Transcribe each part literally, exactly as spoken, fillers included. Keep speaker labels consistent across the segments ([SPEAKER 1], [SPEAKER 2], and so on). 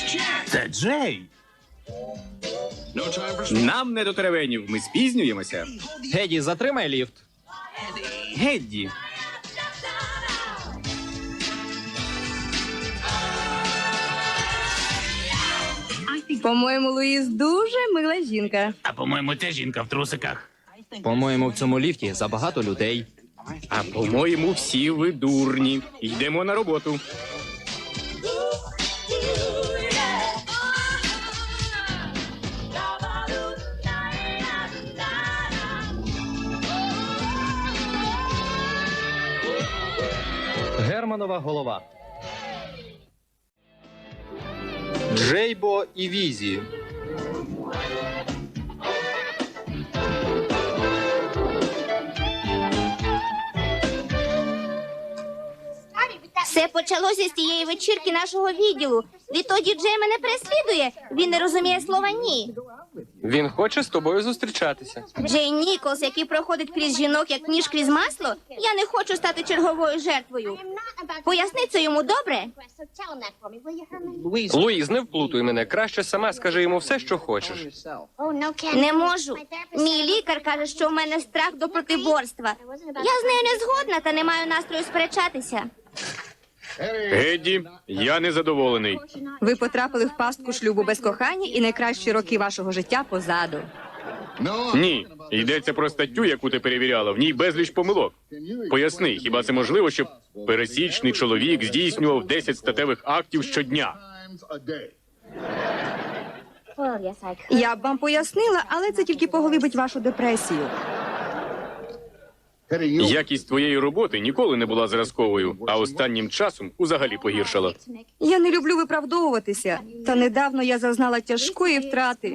[SPEAKER 1] Це Джей.
[SPEAKER 2] Нам не до теревенів, ми спізнюємося.
[SPEAKER 3] Геді, затримай ліфт.
[SPEAKER 2] Гедді.
[SPEAKER 4] По-моєму, Луїз дуже мила жінка.
[SPEAKER 1] А по-моєму, це жінка в трусиках.
[SPEAKER 3] По-моєму, в цьому ліфті забагато людей.
[SPEAKER 2] А по-моєму, всі ви дурні. Йдемо на роботу.
[SPEAKER 3] Германова голова. Джейбо і Візі.
[SPEAKER 5] Все почалося з тієї вечірки нашого відділу. Відтоді Джей мене переслідує. Він не розуміє слова «ні».
[SPEAKER 6] Він хоче з тобою зустрічатися.
[SPEAKER 5] Джей Ніколс, який проходить крізь жінок, як ніж крізь масло, я не хочу стати черговою жертвою. Поясни це йому, добре?
[SPEAKER 6] Луїз, не вплутуй мене. Краще сама скажи йому все, що хочеш.
[SPEAKER 5] Не можу. Мій лікар каже, що в мене страх до протиборства. Я з нею не згодна та не маю настрою сперечатися.
[SPEAKER 2] Гедді, я незадоволений.
[SPEAKER 4] Ви потрапили в пастку шлюбу без кохання і найкращі роки вашого життя позаду.
[SPEAKER 2] Ні, йдеться про статтю, яку ти перевіряла. В ній безліч помилок. Поясни, хіба це можливо, щоб пересічний чоловік здійснював десять статевих актів щодня?
[SPEAKER 4] Я б вам пояснила, але це тільки поглибить вашу депресію.
[SPEAKER 2] Якість твоєї роботи ніколи не була зразковою, а останнім часом узагалі погіршала.
[SPEAKER 4] Я не люблю виправдовуватися, та недавно я зазнала тяжкої втрати.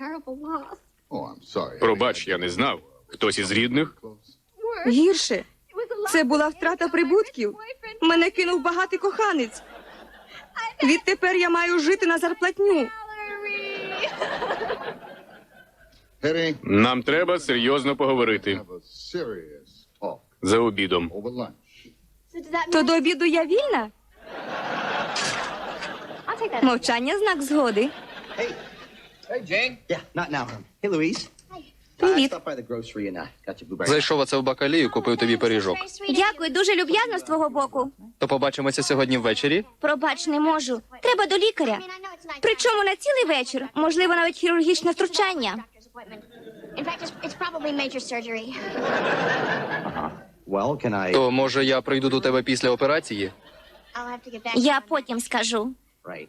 [SPEAKER 2] Пробач, я не знав. Хтось із рідних?
[SPEAKER 4] Гірше. Це була втрата прибутків. Мене кинув багатий коханець. Відтепер я маю жити на зарплатню.
[SPEAKER 2] Нам треба серйозно поговорити. За обідом.
[SPEAKER 4] То до обіду я вільна? Мовчання – знак згоди.
[SPEAKER 7] Yeah, not now. Hey, Louise.
[SPEAKER 4] Привіт.
[SPEAKER 7] Stop by the grocery and uh, got your blueberry.
[SPEAKER 3] Зайшов оце в бакалію, купив тобі пиріжок.
[SPEAKER 5] Дякую, дуже люб'язно з твого боку.
[SPEAKER 3] То побачимося сьогодні ввечері?
[SPEAKER 5] Пробач, не можу. Треба до лікаря. Причому на цілий вечір. Можливо, навіть хірургічне втручання.
[SPEAKER 7] Well, can I?
[SPEAKER 3] То, може, я прийду до тебе після операції?
[SPEAKER 5] Я потім скажу.
[SPEAKER 7] Right.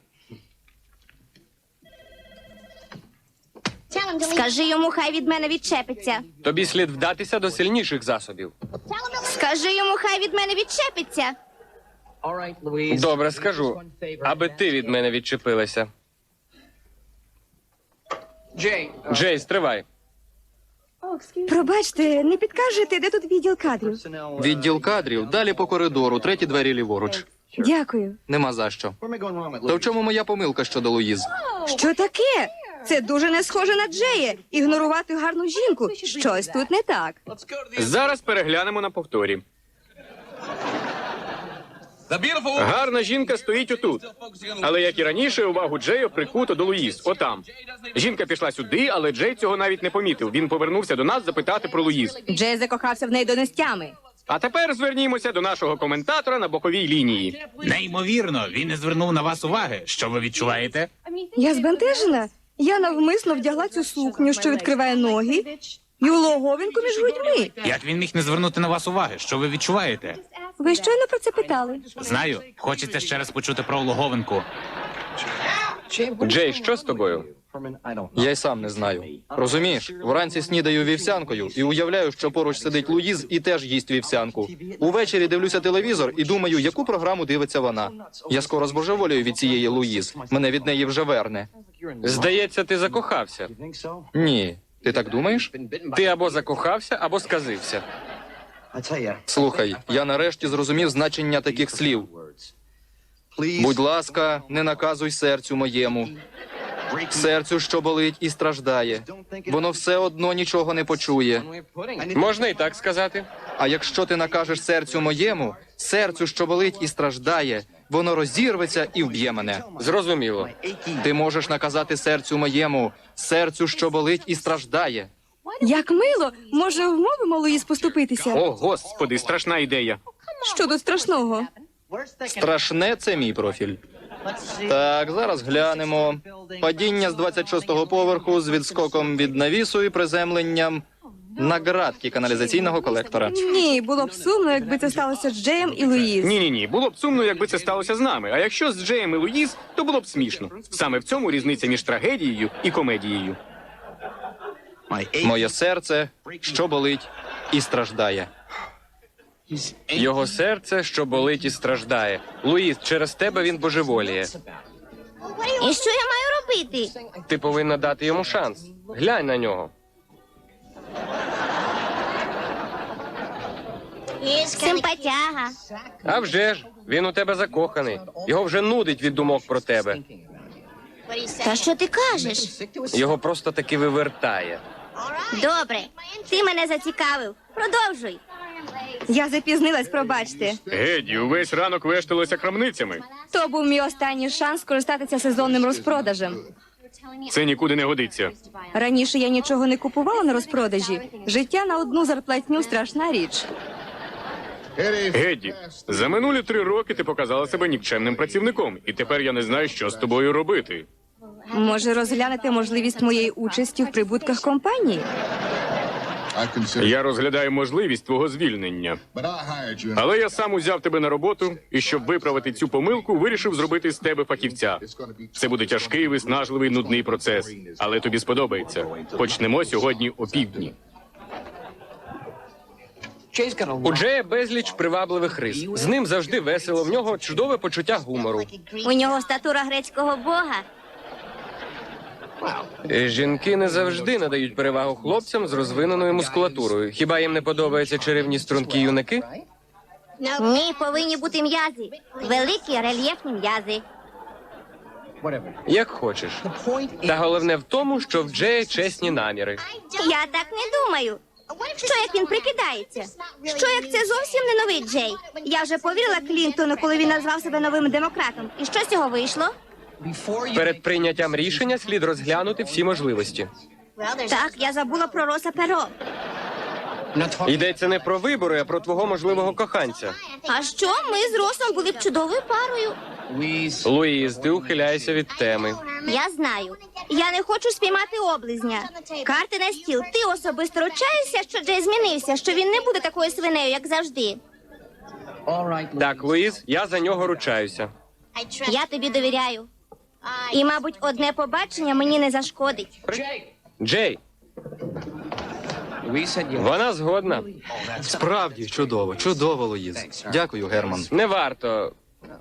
[SPEAKER 5] Скажи йому, хай від мене відчепиться.
[SPEAKER 6] Тобі слід вдатися до сильніших засобів.
[SPEAKER 5] Скажи йому, хай від мене відчепиться.
[SPEAKER 7] All right, Louise.
[SPEAKER 6] Добре, скажу. Аби ти від мене відчепилася. Джей, стривай.
[SPEAKER 4] Пробачте, не підкажете, де тут відділ кадрів?
[SPEAKER 7] Personnel, uh,
[SPEAKER 3] Відділ кадрів, далі по коридору, треті двері ліворуч.
[SPEAKER 4] Дякую.
[SPEAKER 3] Нема за що.
[SPEAKER 7] Where am I going wrong with
[SPEAKER 3] То в
[SPEAKER 7] Louise?
[SPEAKER 3] чому моя помилка щодо Луїз?
[SPEAKER 4] Що таке? Це дуже не схоже на Джея. Ігнорувати гарну жінку. Щось тут не так.
[SPEAKER 2] Зараз переглянемо на повторі. Гарна жінка стоїть отут. Але, як і раніше, увагу Джея прикуто до Луїз. Отам. Жінка пішла сюди, але Джей цього навіть не помітив. Він повернувся до нас запитати про Луїз.
[SPEAKER 4] Джей закохався в неї до нестями.
[SPEAKER 2] А тепер звернімося до нашого коментатора на боковій лінії.
[SPEAKER 1] Неймовірно, він не звернув на вас уваги. Що ви відчуваєте?
[SPEAKER 4] Я збентежена. Я навмисно вдягла цю сукню, що відкриває ноги, і улоговинку між грудьми.
[SPEAKER 1] Як він міг не звернути на вас уваги? Що ви відчуваєте?
[SPEAKER 4] Ви щойно про це питали.
[SPEAKER 1] Знаю, хочеться ще раз почути про улоговинку.
[SPEAKER 6] Джей, що з тобою?
[SPEAKER 7] Herman, I don't know.
[SPEAKER 3] Я й сам не знаю. Розумієш, вранці снідаю вівсянкою і уявляю, що поруч сидить Луїз і теж їсть вівсянку. Увечері дивлюся телевізор і думаю, яку програму дивиться вона. Я скоро збожеволію від цієї Луїз. Мене від неї вже верне.
[SPEAKER 6] Здається, ти закохався.
[SPEAKER 7] You think so?
[SPEAKER 3] Ні. Ти так думаєш?
[SPEAKER 6] Ти або закохався, або сказився.
[SPEAKER 7] I tell you.
[SPEAKER 3] Слухай, я нарешті зрозумів значення таких слів.
[SPEAKER 7] Words. Please.
[SPEAKER 3] Будь ласка, не наказуй серцю моєму. Серцю, що болить і страждає. Воно все одно нічого не почує.
[SPEAKER 6] Можна і так сказати.
[SPEAKER 3] А якщо ти накажеш серцю моєму, серцю, що болить і страждає, воно розірветься і вб'є мене.
[SPEAKER 6] Зрозуміло.
[SPEAKER 3] Ти можеш наказати серцю моєму, серцю, що болить і страждає.
[SPEAKER 4] Як мило, може, вмовимо Луїз поступитися?
[SPEAKER 2] О, господи, страшна ідея.
[SPEAKER 4] Що тут страшного?
[SPEAKER 3] Страшне це мій профіль. Так, зараз глянемо. Падіння з двадцять шостого поверху з відскоком від навісу і приземленням на ґратки каналізаційного колектора.
[SPEAKER 4] Ні, було б сумно, якби це сталося з Джеєм і Луїз.
[SPEAKER 2] Ні-ні-ні, було б сумно, якби це сталося з нами. А якщо з Джеєм і Луїз, то було б смішно. Саме в цьому різниця між трагедією і комедією.
[SPEAKER 3] Моє серце, що болить і страждає.
[SPEAKER 6] Його серце, що болить і страждає. Луїз, через тебе він божеволіє.
[SPEAKER 5] І що я маю робити?
[SPEAKER 6] Ти повинна дати йому шанс. Глянь на нього.
[SPEAKER 5] Симпатяга.
[SPEAKER 6] А вже ж, він у тебе закоханий. Його вже нудить від думок про тебе.
[SPEAKER 5] Та що ти кажеш?
[SPEAKER 6] Його просто таки вивертає.
[SPEAKER 5] Добре, ти мене зацікавив. Продовжуй.
[SPEAKER 4] Я запізнилась, пробачте.
[SPEAKER 2] Геді, увесь ранок вешталися крамницями.
[SPEAKER 4] То був мій останній шанс скористатися сезонним розпродажем.
[SPEAKER 2] Це нікуди не годиться.
[SPEAKER 4] Раніше я нічого не купувала на розпродажі. Життя на одну зарплатню – страшна річ.
[SPEAKER 2] Геді, за минулі три роки ти показала себе нікчемним працівником, і тепер я не знаю, що з тобою робити.
[SPEAKER 4] Може, розглянете можливість моєї участі в прибутках компанії?
[SPEAKER 2] Я розглядаю можливість твого звільнення. Але я сам узяв тебе на роботу, і щоб виправити цю помилку, вирішив зробити з тебе фахівця. Це буде тяжкий, виснажливий, нудний процес. Але тобі сподобається. Почнемо сьогодні опівдні.
[SPEAKER 6] У Джея безліч привабливих рис. З ним завжди весело, в нього чудове почуття гумору.
[SPEAKER 5] У нього статура грецького бога.
[SPEAKER 6] Е, Жінки не завжди надають перевагу хлопцям з розвиненою мускулатурою. Хіба їм не подобаються чарівні стрункі юнаки?
[SPEAKER 5] Ні, повинні бути м'язи. Великі рельєфні м'язи.
[SPEAKER 6] Як хочеш. Та головне в тому, що в Джея чесні наміри.
[SPEAKER 5] Я так не думаю. Що як він прикидається? Що як це зовсім не новий Джей? Я вже повірила Клінтону, коли він назвав себе новим демократом. І що з цього вийшло?
[SPEAKER 6] Перед прийняттям рішення слід розглянути всі можливості.
[SPEAKER 5] Так, я забула про Роса Перо.
[SPEAKER 6] Йдеться не про вибори, а про твого можливого коханця.
[SPEAKER 5] А що? Ми з Росом були б чудовою парою.
[SPEAKER 6] Луїз, ти ухиляєшся від теми.
[SPEAKER 5] Я знаю. Я не хочу спіймати облизня. Карти на стіл. Ти особисто ручаєшся, що Джей змінився, що він не буде такою свинею, як завжди.
[SPEAKER 6] Так, Луїз, я за нього ручаюся.
[SPEAKER 5] Я тобі довіряю. І, мабуть, одне побачення мені не зашкодить.
[SPEAKER 6] Джей, вона згодна.
[SPEAKER 3] Справді, чудово, чудово, Луїз. Дякую, Герман.
[SPEAKER 6] Не варто.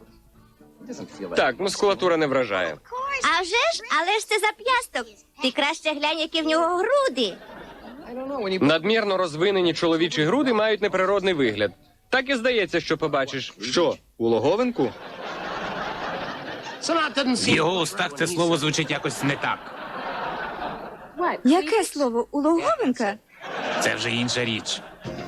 [SPEAKER 6] Так, мускулатура не вражає.
[SPEAKER 5] А вже ж, але ж це зап'ясток. Ти краще глянь, які в нього груди.
[SPEAKER 6] Надмірно розвинені чоловічі груди мають неприродний вигляд. Так і здається, що побачиш.
[SPEAKER 3] Що, у логовинку?
[SPEAKER 1] В його устах це слово звучить якось не так.
[SPEAKER 4] Яке слово? У Логовенка?
[SPEAKER 1] Це вже інша річ.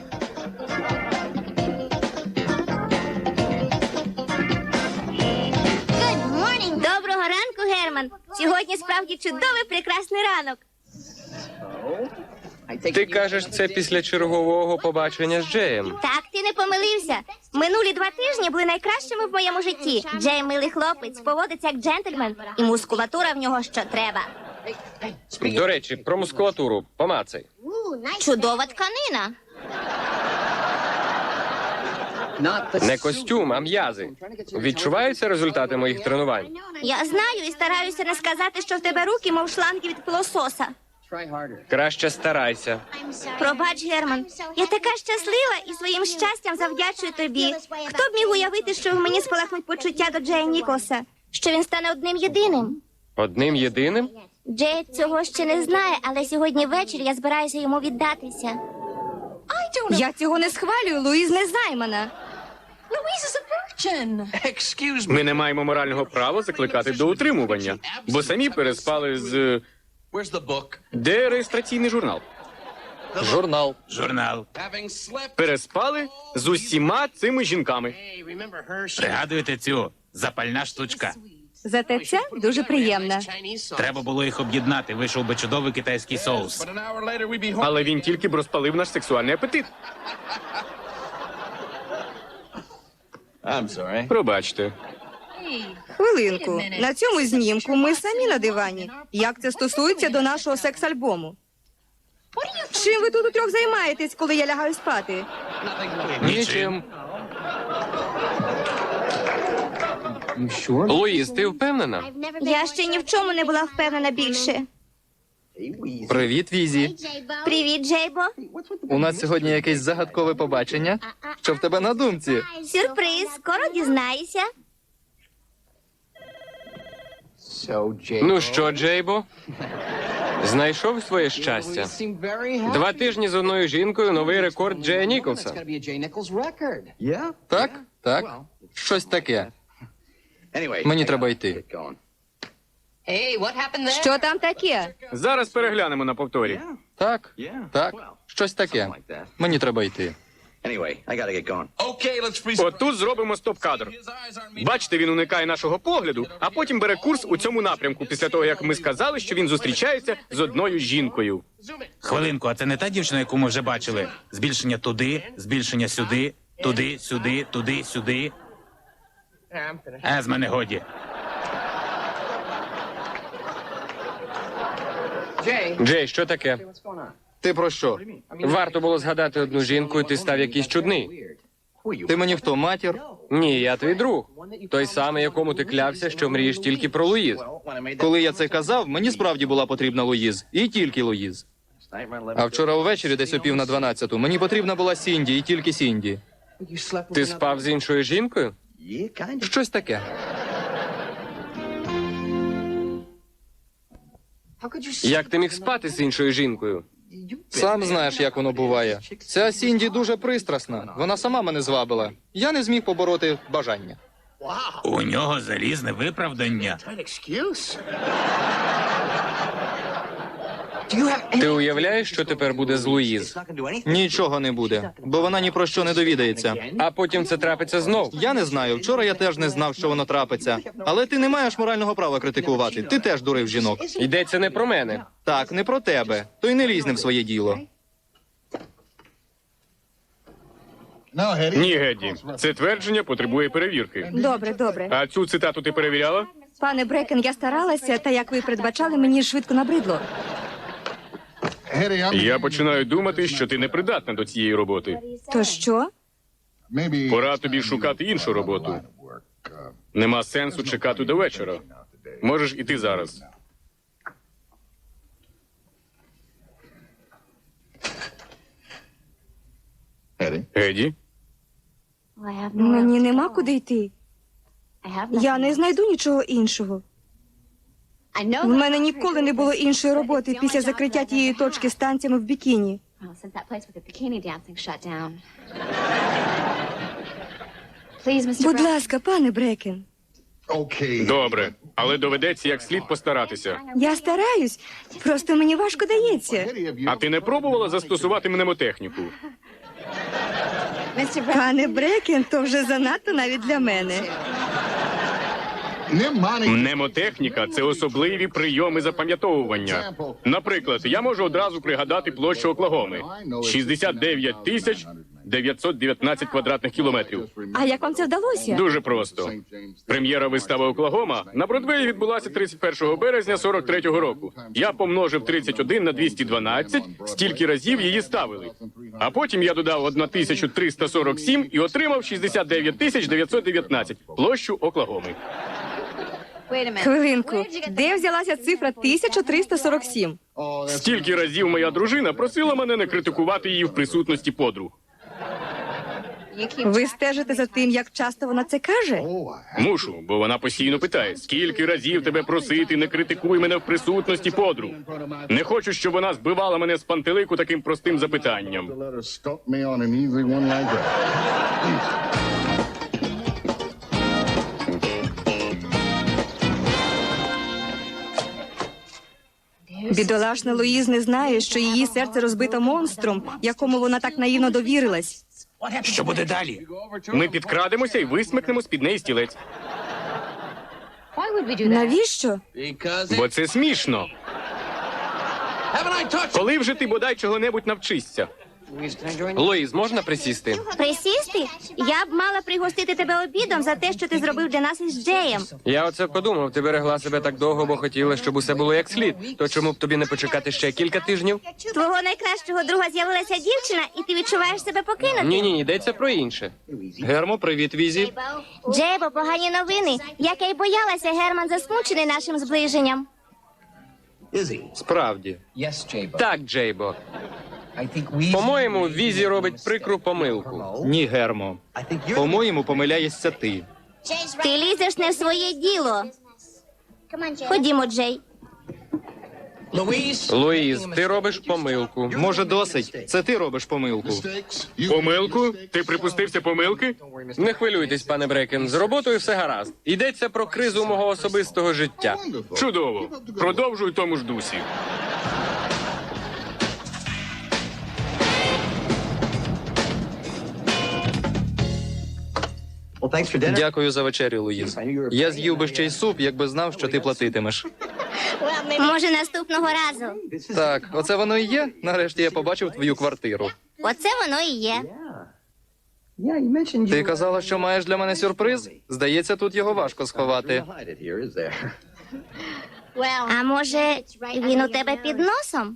[SPEAKER 5] Доброго ранку, Герман. Сьогодні справді чудовий прекрасний ранок.
[SPEAKER 6] Ти кажеш це після чергового побачення з Джеєм.
[SPEAKER 5] Так, ти не помилився. Минулі два тижні були найкращими в моєму житті. Джей милий хлопець, поводиться як джентльмен, і мускулатура в нього що треба.
[SPEAKER 6] До речі, про мускулатуру. Помацай.
[SPEAKER 5] Чудова тканина.
[SPEAKER 6] Не костюм, а м'язи. Відчуваються результати моїх тренувань?
[SPEAKER 5] Я знаю і стараюся не сказати, що в тебе руки, мов шланги від пилососа.
[SPEAKER 6] Краще старайся.
[SPEAKER 5] Пробач, Герман. Я така щаслива і своїм щастям завдячую тобі. Хто б міг уявити, що в мені спалахнуть почуття до Джея Ніколса? Що він стане одним єдиним?
[SPEAKER 6] Одним єдиним?
[SPEAKER 5] Джей цього ще не знає, але сьогодні ввечері я збираюся йому віддатися.
[SPEAKER 4] Я цього не схвалюю, Луїз не займана.
[SPEAKER 2] Ми не маємо морального права закликати до утримування, бо самі переспали з... Де реєстраційний журнал?
[SPEAKER 3] Журнал.
[SPEAKER 1] Журнал.
[SPEAKER 2] Переспали з усіма цими жінками.
[SPEAKER 1] Пригадуєте цю? Запальна штучка.
[SPEAKER 4] Зате ця дуже приємна.
[SPEAKER 1] Треба було їх об'єднати, вийшов би чудовий китайський соус.
[SPEAKER 2] Але він тільки б розпалив наш сексуальний апетит.
[SPEAKER 7] I'm sorry.
[SPEAKER 2] Пробачте.
[SPEAKER 4] Хвилинку. На цьому знімку ми самі на дивані. Як це стосується до нашого секс-альбому? Чим ви тут утрьох займаєтесь, коли я лягаю спати?
[SPEAKER 6] Нічим. Луїз, ти впевнена?
[SPEAKER 5] Я ще ні в чому не була впевнена більше.
[SPEAKER 3] Привіт, Візі.
[SPEAKER 5] Привіт, Джейбо.
[SPEAKER 3] У нас сьогодні якесь загадкове побачення. Що в тебе на думці?
[SPEAKER 5] Сюрприз, скоро дізнаєшся.
[SPEAKER 7] So, Jay.
[SPEAKER 6] Ну що, Джейбо? Знайшов своє щастя. Два тижні з одною жінкою — новий рекорд Джея Ніколса.
[SPEAKER 7] Yeah?
[SPEAKER 3] Так? Так. Щось таке.
[SPEAKER 7] Anyway,
[SPEAKER 3] Мені
[SPEAKER 7] I
[SPEAKER 3] треба
[SPEAKER 7] gotta
[SPEAKER 3] йти.
[SPEAKER 7] get going.
[SPEAKER 4] Що там таке?
[SPEAKER 2] Зараз переглянемо на повторі.
[SPEAKER 3] Так?
[SPEAKER 7] Yeah.
[SPEAKER 3] Так.
[SPEAKER 7] Well,
[SPEAKER 3] Щось таке.
[SPEAKER 7] something like that.
[SPEAKER 3] Мені треба йти.
[SPEAKER 7] Anyway, I gotta get going.
[SPEAKER 2] Отут зробимо стоп-кадр. Бачите, він уникає нашого погляду, а потім бере курс у цьому напрямку, після того, як ми сказали, що він зустрічається з одною жінкою.
[SPEAKER 1] Хвилинку, а це не та дівчина, яку ми вже бачили? Збільшення туди, збільшення сюди, туди, сюди, туди, сюди. А, з мене годі.
[SPEAKER 6] Джей, що таке?
[SPEAKER 3] Ти про що?
[SPEAKER 6] Варто було згадати одну жінку, і ти став якийсь чудний.
[SPEAKER 3] Ти мені хто, матір?
[SPEAKER 6] Ні, я твій друг. Той самий, якому ти клявся, що мрієш тільки про Луїз.
[SPEAKER 3] Коли я це казав, мені справді була потрібна Луїз. І тільки Луїз. А вчора увечері, десь о пів на дванадцяту, мені потрібна була Сінді, і тільки Сінді.
[SPEAKER 6] Ти спав з іншою жінкою?
[SPEAKER 7] Yeah, kind of.
[SPEAKER 3] Щось таке.
[SPEAKER 6] Як ти міг спати з іншою жінкою?
[SPEAKER 3] Сам знаєш, як воно буває. Ця Сінді дуже пристрасна. Вона сама мене звабила. Я не зміг побороти бажання.
[SPEAKER 1] У нього залізне виправдання.
[SPEAKER 6] Ти уявляєш, що тепер буде з Луїз?
[SPEAKER 7] Not gonna do anything.
[SPEAKER 3] Нічого не буде, бо вона ні про що не довідається.
[SPEAKER 6] А потім це трапиться знов.
[SPEAKER 3] Я не знаю. Вчора я теж не знав, що воно трапиться. Але ти не маєш морального права критикувати. Ти теж дурив жінок.
[SPEAKER 6] Йдеться не про мене.
[SPEAKER 3] Так, не про тебе. То й не лізь не в своє діло.
[SPEAKER 2] Ні, Гедді, це твердження потребує перевірки.
[SPEAKER 4] Добре, добре.
[SPEAKER 2] А цю цитату ти перевіряла?
[SPEAKER 4] Пане Брекен, я старалася, та як ви передбачали, мені швидко набридло.
[SPEAKER 2] Я починаю думати, що ти не придатна до цієї роботи.
[SPEAKER 4] То що?
[SPEAKER 2] Пора тобі шукати іншу роботу. Нема сенсу чекати до вечора. Можеш іти зараз. Геді?
[SPEAKER 4] Мені нема куди йти. Я не знайду нічого іншого. В мене ніколи не було іншої роботи після закриття тієї точки з танцями в бікіні. Будь ласка, пане Брекен.
[SPEAKER 2] Добре, але доведеться як слід постаратися.
[SPEAKER 4] Я стараюсь, просто мені важко дається.
[SPEAKER 2] А ти не пробувала застосувати мнемотехніку?
[SPEAKER 4] Пане Брекен, то вже занадто навіть для мене.
[SPEAKER 2] Мнемотехніка – це особливі прийоми запам'ятовування. Наприклад, я можу одразу пригадати площу Оклагоми – шістдесят дев'ять тисяч дев'ятсот дев'ятнадцять квадратних кілометрів.
[SPEAKER 4] А як вам це вдалося?
[SPEAKER 2] Дуже просто. Прем'єра вистави «Оклагома» на Бродвеї відбулася тридцять першого березня сорок третього року. Я помножив тридцять один на двісті дванадцять, стільки разів її ставили. А потім я додав тисячу триста сорок сім і отримав шістдесят дев'ять тисяч дев'ятсот дев'ятнадцять площу Оклагоми.
[SPEAKER 4] Хвилинку, де взялася цифра тисяча триста сорок сім?
[SPEAKER 2] Стільки разів моя дружина просила мене не критикувати її в присутності подруг.
[SPEAKER 4] Ви стежите за тим, як часто вона це каже?
[SPEAKER 2] Мушу, бо вона постійно питає, скільки разів тебе просити, не критикуй мене в присутності подруг. Не хочу, щоб вона збивала мене з пантелику таким простим запитанням.
[SPEAKER 4] Бідолашна Луїз не знає, що її серце розбито монстром, якому вона так наївно довірилась.
[SPEAKER 1] Що буде далі?
[SPEAKER 2] Ми підкрадемося і висмикнемо з-під неї стілець.
[SPEAKER 4] Навіщо?
[SPEAKER 2] Бо це смішно. Коли вже ти бодай чого-небудь навчишся?
[SPEAKER 6] Луїз, можна присісти?
[SPEAKER 5] Присісти? Я б мала пригостити тебе обідом за те, що ти зробив для нас із Джеєм.
[SPEAKER 6] Я оце подумав, ти берегла себе так довго, бо хотіла, щоб усе було як слід. То чому б тобі не почекати ще кілька тижнів?
[SPEAKER 5] Твого найкращого друга з'явилася дівчина, і ти відчуваєш себе покинутим.
[SPEAKER 6] Ні, ні, йдеться про інше.
[SPEAKER 3] Гермо, привіт, Візі.
[SPEAKER 5] Джейбо, погані новини. Як я й боялася, Герман засмучений нашим зближенням.
[SPEAKER 3] Справді.
[SPEAKER 6] Так, Джейбо. По-моєму, Візі робить прикру помилку.
[SPEAKER 3] Ні, Гермо. По-моєму, помиляєшся ти.
[SPEAKER 5] Ти лізеш не в своє діло. Ходімо, Джей.
[SPEAKER 6] Луїз, ти робиш помилку.
[SPEAKER 3] Може, досить? Це ти робиш помилку.
[SPEAKER 2] Помилку? Ти припустився помилки?
[SPEAKER 6] Не хвилюйтесь, пане Брекен, з роботою все гаразд. Йдеться про кризу мого особистого життя.
[SPEAKER 2] Чудово. Продовжуй в тому ж дусі.
[SPEAKER 7] Well, thanks for dinner.
[SPEAKER 3] Дякую за вечерю, Луїз. Я з'їв би ще й суп, якби знав, що ти платитимеш.
[SPEAKER 5] Може, наступного разу.
[SPEAKER 3] Так, оце воно і є. Нарешті я побачив твою квартиру.
[SPEAKER 5] Оце воно і є.
[SPEAKER 7] Yeah, you mentioned you
[SPEAKER 3] Ти казала, що маєш для мене сюрприз? Здається, тут його важко сховати.
[SPEAKER 7] hide it here, is there?
[SPEAKER 5] А може, він у тебе під носом?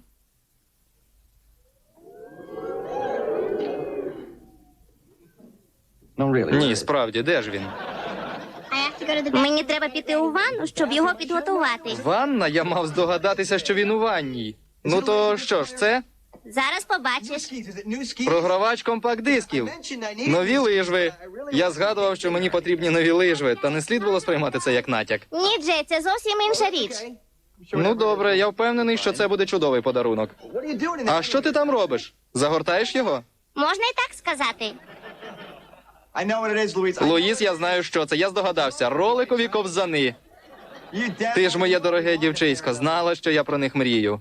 [SPEAKER 7] No, really.
[SPEAKER 3] Ні, справді, де ж він?
[SPEAKER 5] Мені треба піти у ванну, щоб його підготувати.
[SPEAKER 3] Ванна? Я мав здогадатися, що він у ванній. Ну то що ж це?
[SPEAKER 5] Зараз побачиш.
[SPEAKER 7] Skis, is it new skis?
[SPEAKER 3] Програвач компакт-дисків.
[SPEAKER 7] Mentioned I need-
[SPEAKER 3] Нові лижви. Я згадував, що мені потрібні нові лижви, та не слід було сприймати це як натяк.
[SPEAKER 5] Ні, Джей, це зовсім інша річ.
[SPEAKER 3] Ну добре, я впевнений, що це буде чудовий подарунок.
[SPEAKER 7] What are you doing in
[SPEAKER 3] А
[SPEAKER 7] this?
[SPEAKER 3] що ти там робиш? Загортаєш його?
[SPEAKER 5] Можна і так сказати.
[SPEAKER 7] I know what it is, Louise. I-
[SPEAKER 3] Луїс, я знаю, що це. Я здогадався. Роликові ковзани.
[SPEAKER 7] You dead?
[SPEAKER 3] Ти ж, моє дороге дівчисько, знала, що я про них мрію.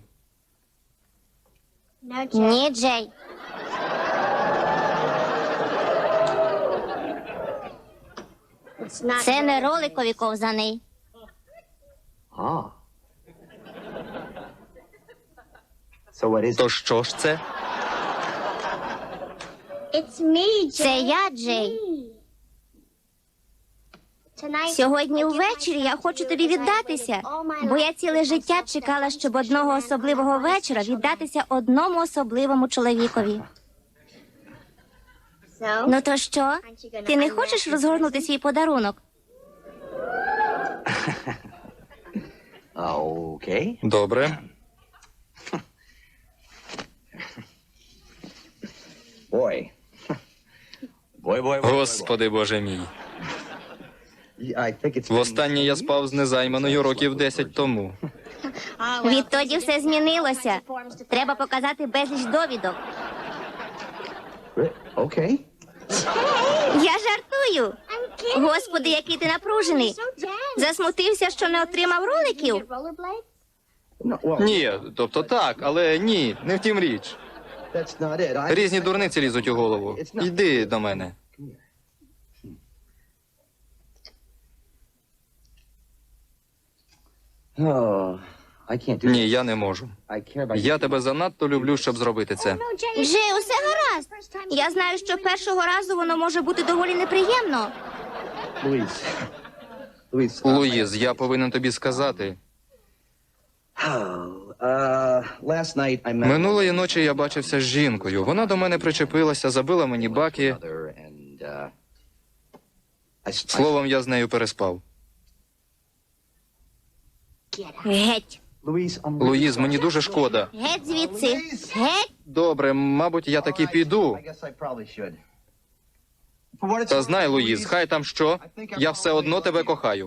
[SPEAKER 5] Ні, Джей. Це не роликові ковзани.
[SPEAKER 7] Ah. So what is it?
[SPEAKER 3] То що ж це?
[SPEAKER 5] Це я, Джей. Сьогодні ввечері я хочу тобі віддатися, бо я ціле життя чекала, щоб одного особливого вечора віддатися одному особливому чоловікові. Ну то що? Ти не хочеш розгорнути свій подарунок?
[SPEAKER 7] Okay.
[SPEAKER 3] Добре.
[SPEAKER 7] Boy. Boy, boy, boy.
[SPEAKER 3] Господи Боже мій.
[SPEAKER 7] I think it's
[SPEAKER 3] Востаннє я спав з незайманою років десять тому.
[SPEAKER 5] Відтоді все змінилося. Треба показати безліч довідок.
[SPEAKER 7] Okay.
[SPEAKER 5] Я жартую. Господи, який ти напружений. Засмутився, що не отримав роликів?
[SPEAKER 7] No, well,
[SPEAKER 3] Ні, тобто так, але ні, не втім річ.
[SPEAKER 7] that's not it. I...
[SPEAKER 3] Різні дурниці лізуть у голову. Йди до мене.
[SPEAKER 7] Oh, I can't do
[SPEAKER 3] Ні, я не можу.
[SPEAKER 7] I care about
[SPEAKER 3] Я тебе занадто люблю, щоб зробити це.
[SPEAKER 5] Джей, усе гаразд. Я знаю, що першого разу воно може бути доволі неприємно.
[SPEAKER 7] Louise. Louise. uh,
[SPEAKER 3] Луїз, я повинен тобі сказати.
[SPEAKER 7] Oh, uh, last night I met
[SPEAKER 3] Минулої ночі я бачився з жінкою. Вона до мене причепилася, забила мені баки.
[SPEAKER 7] mother and uh, I, I
[SPEAKER 3] Словом, я з нею переспав.
[SPEAKER 5] Геть.
[SPEAKER 7] Louise, I'm
[SPEAKER 3] Луїз, мені дуже шкода.
[SPEAKER 5] Геть звідси. Геть.
[SPEAKER 3] Добре, мабуть, я таки піду.
[SPEAKER 7] I guess I probably should. For what it's
[SPEAKER 3] Та знай, Луїз, хай там що, я все одно тебе кохаю.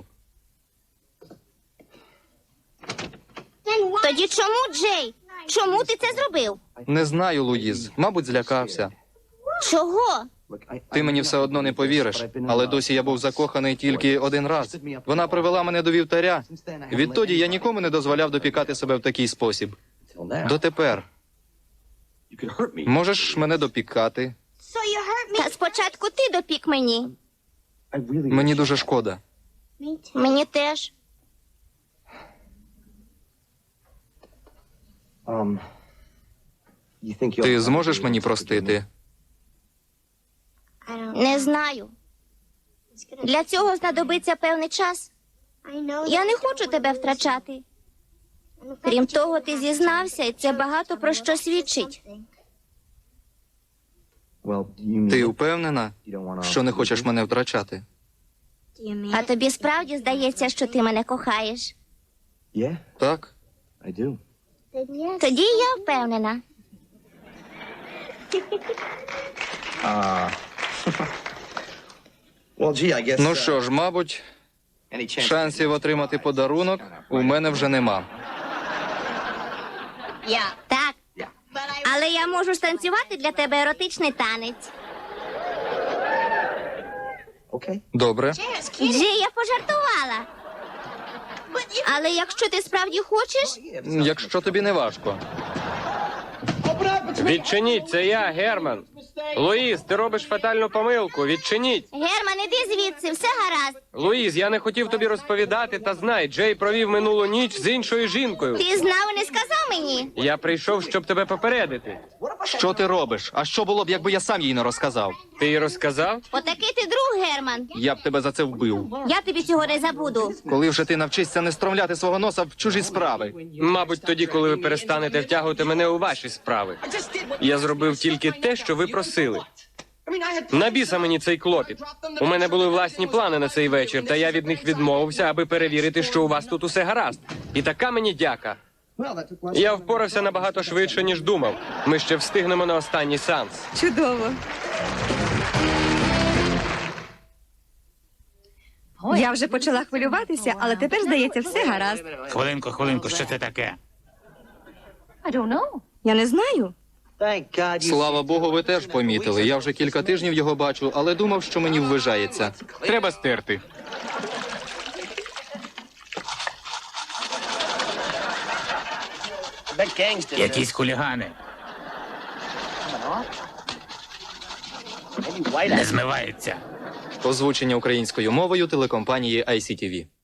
[SPEAKER 5] Тоді чому, Джей? Чому ти це зробив?
[SPEAKER 3] Не знаю, Луїз. Мабуть, злякався.
[SPEAKER 5] Чого?
[SPEAKER 7] Look, I,
[SPEAKER 3] Ти мені все одно не повіриш, але досі я був закоханий тільки один раз. Вона привела мене до вівтаря. Відтоді я нікому не дозволяв допікати себе в такий спосіб.
[SPEAKER 7] Till now.
[SPEAKER 3] Дотепер.
[SPEAKER 7] You could hurt me.
[SPEAKER 3] Можеш мене допікати?
[SPEAKER 5] Та спочатку ти допік мені.
[SPEAKER 7] I really
[SPEAKER 3] Мені дуже шкода.
[SPEAKER 5] Мені теж.
[SPEAKER 7] Um, you think you'll-
[SPEAKER 3] Ти зможеш мені простити?
[SPEAKER 5] Не знаю. Для цього знадобиться певний час. Я не хочу тебе втрачати. Крім того, ти зізнався, і це багато про що свідчить.
[SPEAKER 7] Well, you mean
[SPEAKER 3] Ти
[SPEAKER 7] you
[SPEAKER 3] впевнена,
[SPEAKER 7] don't wanna-
[SPEAKER 3] що не хочеш мене втрачати?
[SPEAKER 5] А тобі справді здається, що ти мене кохаєш?
[SPEAKER 7] Yeah,
[SPEAKER 3] Так?
[SPEAKER 7] I do.
[SPEAKER 5] Тоді я впевнена.
[SPEAKER 7] Uh, well, gee, I guess.
[SPEAKER 3] Ну
[SPEAKER 7] uh,
[SPEAKER 3] що ж, мабуть,
[SPEAKER 7] any chance-
[SPEAKER 3] шансів отримати подарунок у мене вже нема.
[SPEAKER 5] Так. Але я можу станцювати для тебе еротичний танець.
[SPEAKER 7] Okay.
[SPEAKER 3] Добре.
[SPEAKER 5] Джей, я пожартувала. Але якщо ти справді хочеш,
[SPEAKER 3] Якщо тобі не важко.
[SPEAKER 6] Відчиніть, це я, Герман. Луїз, ти робиш фатальну помилку. Відчиніть.
[SPEAKER 5] Герман, іди звідси, все гаразд.
[SPEAKER 6] Луїз, я не хотів тобі розповідати, та знай, Джей провів минулу ніч з іншою жінкою.
[SPEAKER 5] Ти знав і не сказав мені.
[SPEAKER 6] Я прийшов, щоб тебе попередити.
[SPEAKER 3] Що ти робиш? А що було б, якби я сам їй не розказав?
[SPEAKER 6] Ти їй розказав?
[SPEAKER 5] Отакий ти друг, Герман.
[SPEAKER 3] Я б тебе за це вбив.
[SPEAKER 5] Я тобі цього не забуду.
[SPEAKER 3] Коли вже ти навчишся не стромляти свого носа в чужі справи.
[SPEAKER 6] Мабуть, тоді, коли ви перестанете втягувати мене у ваші справи. Я зробив тільки те, що ви просили. На біса мені цей клопіт. У мене були власні плани на цей вечір, та я від них відмовився, аби перевірити, що у вас тут усе гаразд. І така мені дяка. Я впорався набагато швидше, ніж думав. Ми ще встигнемо на останній сеанс.
[SPEAKER 4] Чудово. Я вже почала хвилюватися, але тепер, здається, все гаразд.
[SPEAKER 1] Хвилинку, хвилинку, що це таке?
[SPEAKER 4] Я не знаю.
[SPEAKER 7] Thank God you.
[SPEAKER 3] Слава Богу, ви теж помітили. Я вже кілька тижнів його бачу, але думав, що мені ввижається.
[SPEAKER 2] Треба стерти.
[SPEAKER 1] Якісь хулігани. Не змивається.
[SPEAKER 3] Озвучення українською мовою телекомпанії ай сі ті ві.